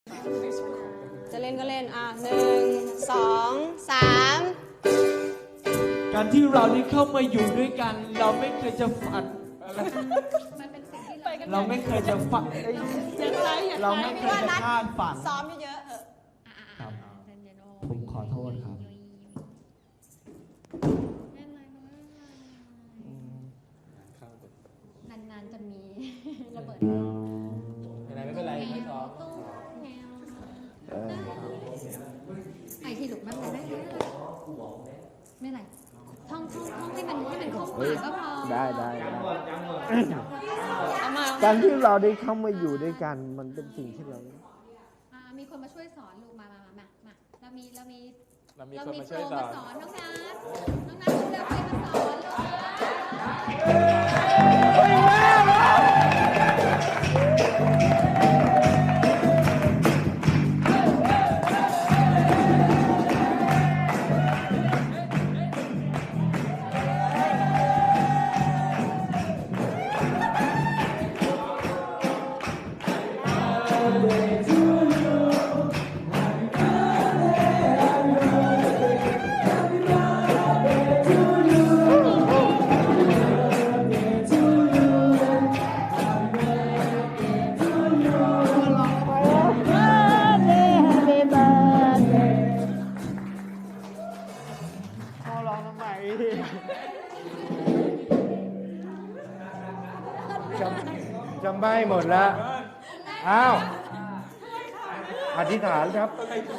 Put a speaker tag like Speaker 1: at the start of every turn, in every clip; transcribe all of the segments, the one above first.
Speaker 1: จะเล่นก็เล่น1 2 3
Speaker 2: การที่เรานี้เข้ามาอยู่ด้วยกัน เราไม่เคยจะฝันเราไม่เคยจะฝันเราไม่เคยจะคาดฝัน
Speaker 1: ซ้อมเยอะๆเถอะ
Speaker 2: ครับผมขอโทษครับ
Speaker 3: นานๆจะมีระเบิด
Speaker 2: ไม่เป็นไรไม่ซ้อม
Speaker 3: ไอที่หลุดมันไม่ไม่ไรท่องให้มันครบหมายก็พอ
Speaker 4: ได้
Speaker 1: เอามา
Speaker 4: การที่เราได้เข้ามาอยู่ด้วยกันมันเป็นสิ่งที่เรา
Speaker 3: มีคนมาช่วยสอนลูกมาเรามีโปร
Speaker 2: เรามี
Speaker 3: มา
Speaker 2: คนมาช่วยสอน
Speaker 3: สอนน้องนัทเลือกใครมาสอน
Speaker 4: จำไม่หมดแล้วอ้าวอธิษฐานครับ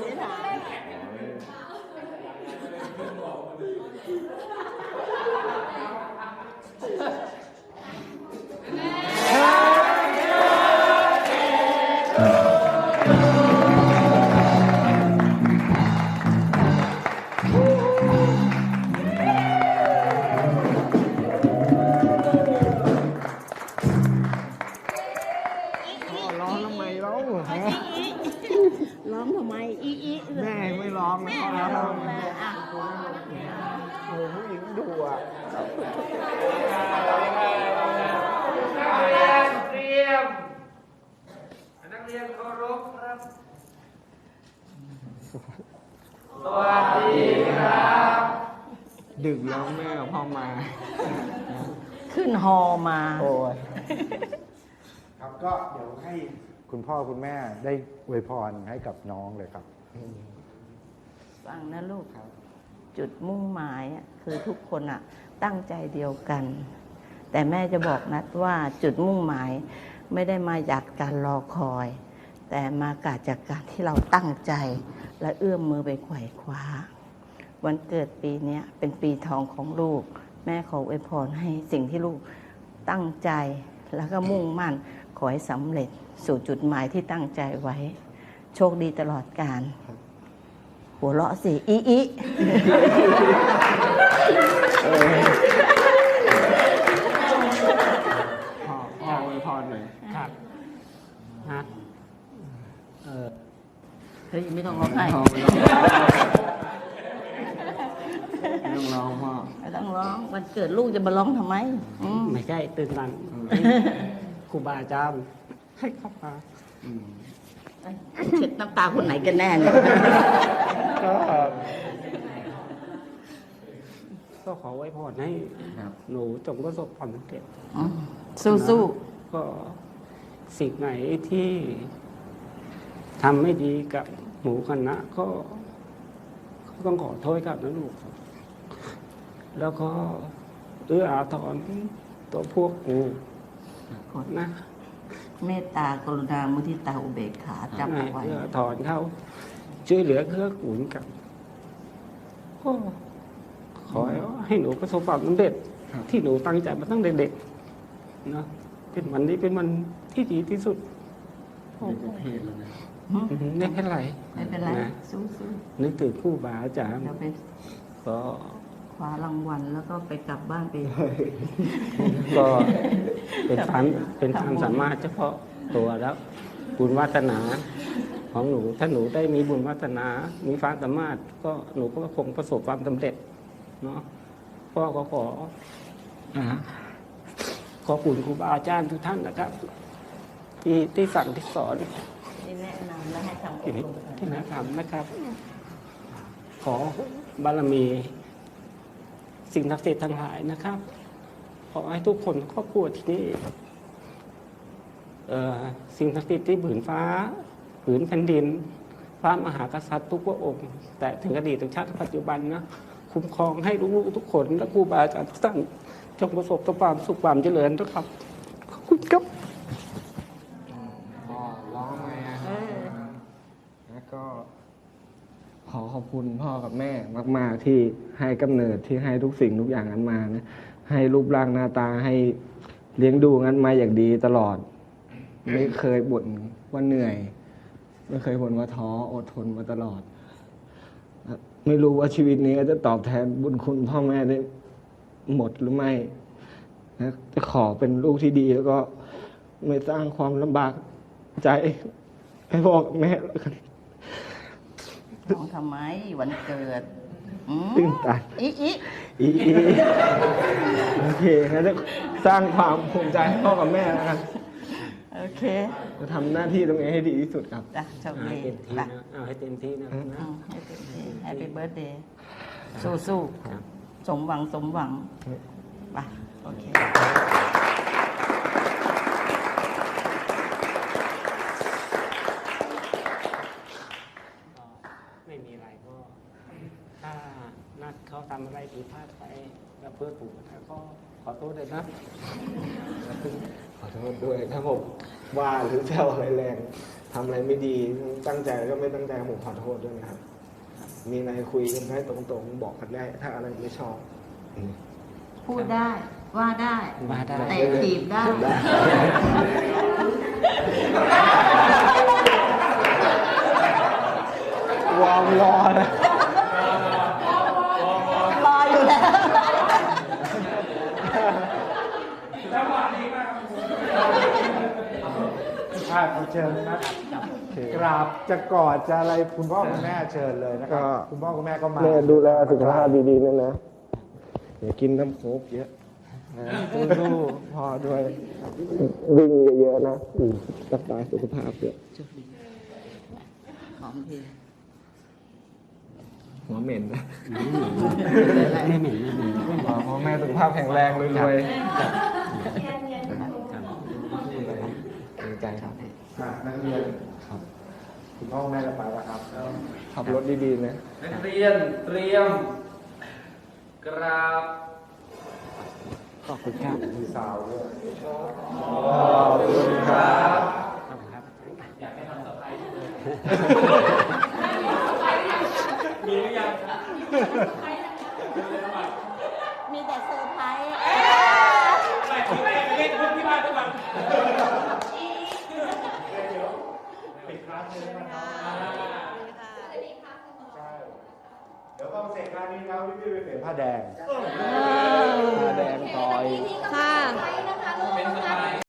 Speaker 4: ร้องทำไมร้อง
Speaker 5: ร้องทำไมอี
Speaker 4: แม่ไม่ร้องนะ
Speaker 5: แม่ร้องแล้ว
Speaker 4: โอ้ผู้หญิงดุอ่ะ
Speaker 2: เตรียมนักเรียนเคารพครับสวัสดีครับดึกแล้วแม่กับพ่อมา
Speaker 5: ขึ้นฮอมา
Speaker 4: โอ้ยครับก็เดี๋ยวให้คุณพ่อคุณแม่ได้อวยพรให้กับน้องเลยครับ
Speaker 5: ฟังนะลูกจุดมุ่งหมายคือทุกคนตั้งใจเดียวกัน แต่แม่จะบอกนัดว่าจุดมุ่งหมายไม่ได้มาจากการรอคอย แต่มาจากการที่เราตั้งใจและเอื้อมมือไปไขว่คว้าวันเกิดปีนี้เป็นปีทองของลูกแม่ขออวยพรให้สิ่งที่ลูกตั้งใจแล้วก็มุ่งมั่นขอให้สำเร็จสู่จุดหมายที่ตั้งใจไว้โชคดีตลอดกาลหัวเราะสิอี
Speaker 2: พ่ออวยพรหน่อยครับฮะ
Speaker 5: เฮ้ยไม่ต้องร้องไห้
Speaker 2: ไม่ต้องร้องพ่อ
Speaker 5: ไม่ต้องร้องวันเกิดลูกจะมาร้องทำไม
Speaker 2: ไม่ใช่ตื่นตันครูบาอาจารย์ให้เข้ามา
Speaker 5: เช็ดน้ำตาคนไหนกันแน่เนี่ย
Speaker 2: ก็ขอไว้พรให้หนูจงประสบความสำเร็จ
Speaker 5: สู้
Speaker 2: ก็สิ่งไหนที่ทำไม่ดีกับหมูคณะก็ต้องขอโทษกับนะลูกแล้วก็เอื้ออาทรตัวพวกกูนะ
Speaker 5: เมตตากรุณามุทิตาอุเบกขาจำเอาไว้
Speaker 2: เอื้ออาทรเขาช่วยเหลือเกื้อกูลกันก็ขอให้หนูประสบความสำเร็จที่หนูตั้งใจมาตั้งแต่เด็กๆนะเป็นวันนี้เป็นวันที่ดีที่สุดไม่เป็นไร
Speaker 5: สู้
Speaker 2: นึกถึงครูบาอาจารย์
Speaker 5: เราไป
Speaker 2: ก็
Speaker 5: คว้ารางวัลแล้วก็ไปกลับบ้านไป
Speaker 2: ก็เป็นความสามารถเฉพาะตัวแล้วบุญวาสนาของหนูถ้าหนูได้มีบุญวาสนามีความสามารถก็หนูก็คงประสบความสำเร็จเนาะพ่อก็ขอขอบคุณครูบาอาจารย์ทุกท่านนะครับที่สั่งที่สอน
Speaker 5: ดีที่แนะนำและให้ทำอบ
Speaker 2: ที่
Speaker 5: รม
Speaker 2: ที่แนะนำนะครับ ขอบารมี สิ่งศักดิ์สิทธิ์ทั้งหลายนะครับ ขอให้ทุกคนครอบครัวที่นี่สิ่งศักดิ์สิทธิ์ที่ผืนฟ้า ผืนแผ่นดินพระมหากษัตริย์ทุกพระองค์ แต่ถึงอดีตถึงชาติปัจจุบันนะคุ้มครองให้ลูกๆทุกคนและครูบาอาจารย์ทุกท่านจงประสบแต่ความสุขความเจริญนะครับขอบคุณครับ
Speaker 1: พ่อร้องไหมอะแล้วก็ขอขอบคุณพ่อกับแม่มาก ๆ ที่ให้กำเนิดที่ให้ทุกสิ่งทุกอย่างนั้นมานะให้รูปร่างหน้าตาให้เลี้ยงดูงั้นมาอย่างดีตลอด ไม่เคยบ่นว่าเหนื่อย ไม่เคยบ่นว่าท้ออดทนมาตลอด ไม่รู้ว่าชีวิตนี้จะตอบแทนบุญคุณพ่อแม่ได้หมดหรือไม่นะจะขอเป็นลูกที่ดีแล้วก็ไม่สร้างความลำบากใจให้พ่อกับแม่แล้วกัน
Speaker 5: น้องทำไมวันเกิด
Speaker 1: ตื่นตัน
Speaker 5: อี
Speaker 1: อีโอเคงั้นจะสร้างความภูมิใจให้พ่อกับแม่แล้วกัน
Speaker 5: โอเค
Speaker 1: จะทำหน้าที่ตรงนี้ให้ดีที่สุดครับ
Speaker 5: จ้ะโชค
Speaker 2: ให้
Speaker 5: ดี
Speaker 2: เต็มที่
Speaker 5: ไป
Speaker 2: นะเอาให้เต็มที่นะ
Speaker 5: ให้เต็มที่ Happy Birthday สู้
Speaker 2: ครับ
Speaker 5: ๆสมหวังไปโอเค
Speaker 2: ไม่มีอะไรก็ ถ้านัดเขาทำอะไรผิดพลาดไปแล้วเพื่อถูกก็ขอโทษเลยนะ
Speaker 1: ขอโทษด้วยถ้าผมว่าหรือแซวอะไรแรงทำอะไรไม่ดีตั้งใจก็ไม่ตั้งใจผมขอโทษด้วยนะครับ มีอะไรคุยกันได้ตรงๆ บอกกันได้ ถ้าอะไรไม่ชอบ
Speaker 5: พูดได้ว่าได้
Speaker 2: ว่าได้
Speaker 5: แต่ถีบได้
Speaker 1: วอร์มรอนะ
Speaker 5: รออยู่แล้ว
Speaker 4: เชิญครับกราบจะกอดจะอะไรคุณพ่อคุณแม่เชิญเลยนะครับ คุณพ่อคุณแม่ก็มา
Speaker 1: แม่ดูแลสุขภาพดีๆนะนะอย่ากินน้ำโค้กเยอะนะสู้ๆพ่อด้วย วิ่งเยอะๆนะรักษาสุขภาพเยอะ
Speaker 5: หอมที
Speaker 1: หัวเหม็นนะ
Speaker 2: ไม่เหม็นไม่เหม็น
Speaker 1: พ่อแม่สุขภาพแข็งแรงรวยๆดีใจครับ
Speaker 4: นักเรียนครับคุณพ่อคุณแม่จะไปแล้วครับ
Speaker 1: ขับรถดีๆนะ
Speaker 6: นักเรียนเตรียม กราบ
Speaker 2: ขอบคุณครับ
Speaker 4: มีสาวด้วย
Speaker 2: ขอบคุณครับ
Speaker 6: อยากให้ทำเซอร์ไพรส์เลยมีหรือยัง
Speaker 5: มีแต่เซอร์ไพรส์
Speaker 6: ไม่ที่ไม่เล่นพูดที่บ้านทุกวัน
Speaker 4: เดี๋ยวต้องเสร็จงานนี้ครับพี่ไปเปลี่ยนผ้าแดง
Speaker 1: ผ้าแดงต่อย
Speaker 3: ค่ะ
Speaker 6: เป็นเซอร์ไพรส์